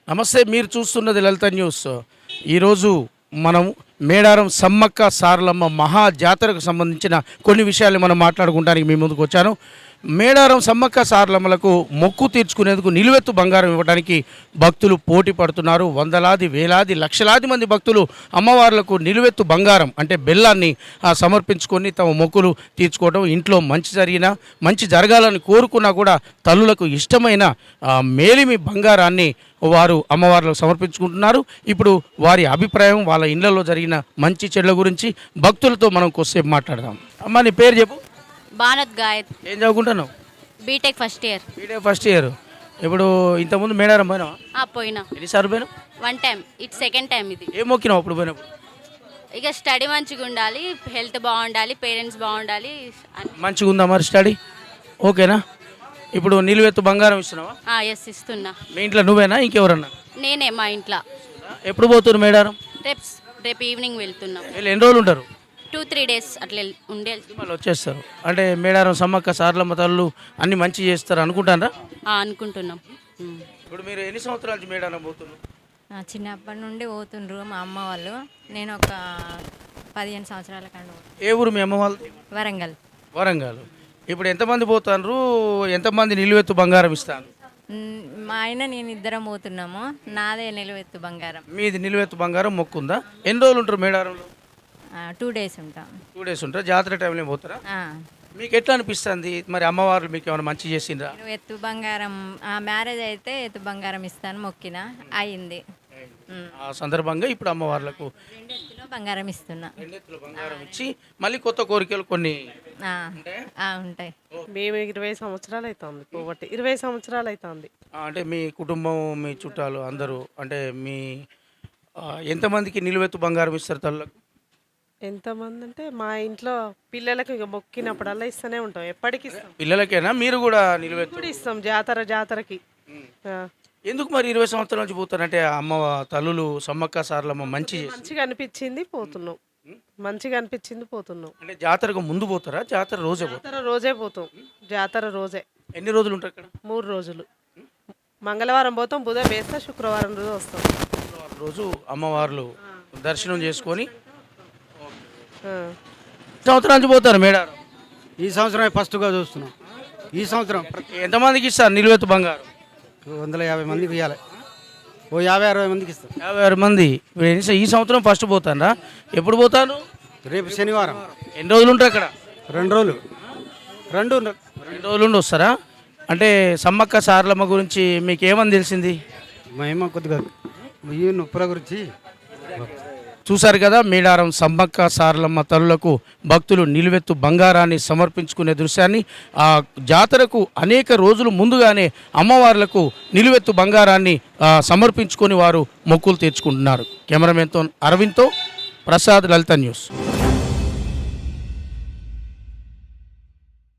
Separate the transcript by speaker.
Speaker 1: నమస్తే, మీరు చూస్తున్నది లలిత న్యూస్. ఈరోజు మనం మేడారం సమ్మక్క సారలమ్మ మహా జాతరకు సంబంధించిన కొన్ని విషయాలు మనం మాట్లాడుకోవడానికి మీ ముందుకు వచ్చాను. మేడారం సమ్మక్క సారలమ్మలకు మొక్కు తీర్చుకునేందుకు నిలువెత్తు బంగారం ఇవ్వడానికి భక్తులు పోటీ పడుతున్నారు. వందలాది వేలాది లక్షలాది మంది భక్తులు అమ్మవార్లకు నిలువెత్తు బంగారం అంటే బెల్లాన్ని సమర్పించుకొని తమ మొక్కులు తీర్చుకోవడం, ఇంట్లో మంచి జరగాలని కోరుకున్నా కూడా తల్లులకు ఇష్టమైన మేలిమి బంగారాన్ని వారు అమ్మవార్లకు సమర్పించుకుంటున్నారు. ఇప్పుడు వారి అభిప్రాయం, వాళ్ళ ఇళ్లలో జరిగిన మంచి చెడ్ల గురించి భక్తులతో మనం కొద్దిసేపు మాట్లాడదాం. అమ్మ, నీ పేరు చెప్పు.
Speaker 2: బానత్ గాయత్.
Speaker 1: ఏం చదువుకుంటున్నావు?
Speaker 2: BTech first year.
Speaker 1: First year. ఇప్పుడు ఇంతకుముందు మేడారం పోయినావా?
Speaker 2: పోయినా.
Speaker 1: ఎన్నిసార్లు పోయినావు?
Speaker 2: 1 టైం. ఇట్ సెకండ్ టైం ఇది.
Speaker 1: ఏం మొక్కినావు అప్పుడు పోయినప్పుడు?
Speaker 2: ఇక స్టడీ మంచిగా ఉండాలి, హెల్త్ బాగుండాలి, పేరెంట్స్ బాగుండాలి.
Speaker 1: మంచిగా ఉందా మరి స్టడీ? ఓకేనా? ఇప్పుడు నిలువెత్తు బంగారం ఇస్తున్నావా?
Speaker 2: ఎస్, ఇస్తున్నా.
Speaker 1: మీ ఇంట్లో నువ్వేనా ఇంకెవరన్నా?
Speaker 2: నేనే, మా ఇంట్లో.
Speaker 1: ఎప్పుడు పోతున్నారు మేడారం?
Speaker 2: రేపు ఈవినింగ్ వెళ్తున్నాం.
Speaker 1: ఎన్ని రోజులు ఉంటారు?
Speaker 2: 2-3 days అట్లా ఉండే
Speaker 1: మళ్ళీ వచ్చేస్తారు. అంటే మేడారం సమ్మక్క సారలమ్మ తల్లు అన్ని మంచి చేస్తారు అనుకుంటారా?
Speaker 2: అనుకుంటున్నాం.
Speaker 1: ఇప్పుడు మీరు ఎన్ని సంవత్సరాల నుంచి మేడారం పోతున్నారు?
Speaker 3: చిన్నప్పటి నుండి పోతుండ్రు మా అమ్మ వాళ్ళు. నేను ఒక 15 సంవత్సరాల కండు.
Speaker 1: ఏ ఊరు మీ అమ్మ వాళ్ళు?
Speaker 3: వరంగల్.
Speaker 1: వరంగల్. ఇప్పుడు ఎంతమంది పోతారు? ఎంతమంది నిలువెత్తు బంగారం ఇస్తాను?
Speaker 3: మా ఆయన నేను ఇద్దరం పోతున్నాము. నాదే నిలువెత్తు బంగారం.
Speaker 1: మీది నిలువెత్తు బంగారం మొక్కుందా? ఎన్ని రోజులు ఉంటారు మేడారంలో?
Speaker 3: 2 days ఉంటాం.
Speaker 1: 2 days ఉంటారు. జాతర టైంలో పోతారా? మీకు ఎట్లా అనిపిస్తుంది మరి? అమ్మవారు మీకు ఏమైనా మంచి చేసిండ్రా?
Speaker 3: ఎత్తు బంగారం మ్యారేజ్ అయితే ఎత్తు బంగారం ఇస్తాను మొక్కిన అయింది.
Speaker 1: ఆ సందర్భంగా ఇప్పుడు అమ్మవార్లకు
Speaker 3: 2 ఎత్తులో బంగారం ఇస్తున్నా.
Speaker 1: 2 ఎత్తుల బంగారం ఇచ్చి మళ్ళీ కొత్త కోరికలు కొన్ని
Speaker 3: ఉంటాయి.
Speaker 4: మేము 20 సంవత్సరాలు అవుతుంది పోబట్టి. 20 సంవత్సరాలు అవుతుంది.
Speaker 1: అంటే మీ కుటుంబం, మీ చుట్టాలు అందరూ, అంటే మీ ఎంతమందికి నిలువెత్తు బంగారం ఇస్తారు తల్లకు?
Speaker 4: ఎంతమంది అంటే మా ఇంట్లో పిల్లలకు ఇక మొక్కినప్పుడల్లా ఇస్తూనే ఉంటాం. ఎప్పటికి ఇస్తాం.
Speaker 1: పిల్లలకేనా? మీరు కూడా నిలువెత్తు
Speaker 4: ఇప్పుడు ఇస్తాం జాతరకి.
Speaker 1: ఎందుకు మరి 20 సంవత్సరాల నుంచి పోతారంటే అమ్మ తల్లులు సమ్మక్క సారలమ్మ
Speaker 4: మంచిగా అనిపించింది పోతున్నాం. మంచిగా అనిపించింది పోతున్నాం.
Speaker 1: అంటే జాతరకు ముందు పోతారా? జాతర రోజే
Speaker 4: పోతాం. జాతర రోజే.
Speaker 1: ఎన్ని రోజులు ఉంటారు అక్కడ?
Speaker 4: 3 రోజులు. మంగళవారం పోతాం, బుధవారం వేస్తే శుక్రవారం రోజు వస్తాం.
Speaker 1: శుక్రవారం రోజు అమ్మవార్లు దర్శనం చేసుకొని సంవత్సరాల నుంచి పోతారు మేడారం.
Speaker 5: ఈ సంవత్సరం ఫస్ట్గా చూస్తున్నాం. ఈ సంవత్సరం
Speaker 1: ఎంతమందికి ఇస్తారు నిలువెత్తు బంగారం?
Speaker 5: 150 మందికి ఇవ్వాలి. ఓ 50-60 మందికి ఇస్తాం.
Speaker 1: 56 మంది. ఈ సంవత్సరం ఫస్ట్ పోతారా? ఎప్పుడు పోతాను?
Speaker 5: రేపు శనివారం.
Speaker 1: ఎన్ని రోజులు ఉంటారు అక్కడ?
Speaker 5: 2 రోజులు. 2
Speaker 1: రోజులు ఉండి వస్తారా? అంటే సమ్మక్క సారలమ్మ గురించి మీకు ఏమని తెలిసింది?
Speaker 5: మేము కొద్దిగా ఈ నొప్పుల గురించి
Speaker 1: చూశారు కదా. మేడారం సమ్మక్క సారలమ్మ తల్లులకు భక్తులు నిలువెత్తు బంగారాన్ని సమర్పించుకునే దృశ్యాన్ని. ఆ జాతరకు అనేక రోజులు ముందుగానే అమ్మవార్లకు నిలువెత్తు బంగారాన్ని సమర్పించుకొని వారు మొక్కులు తీర్చుకుంటున్నారు. కెమెరామెన్తో అరవింద్తో ప్రసాద్, లలిత న్యూస్.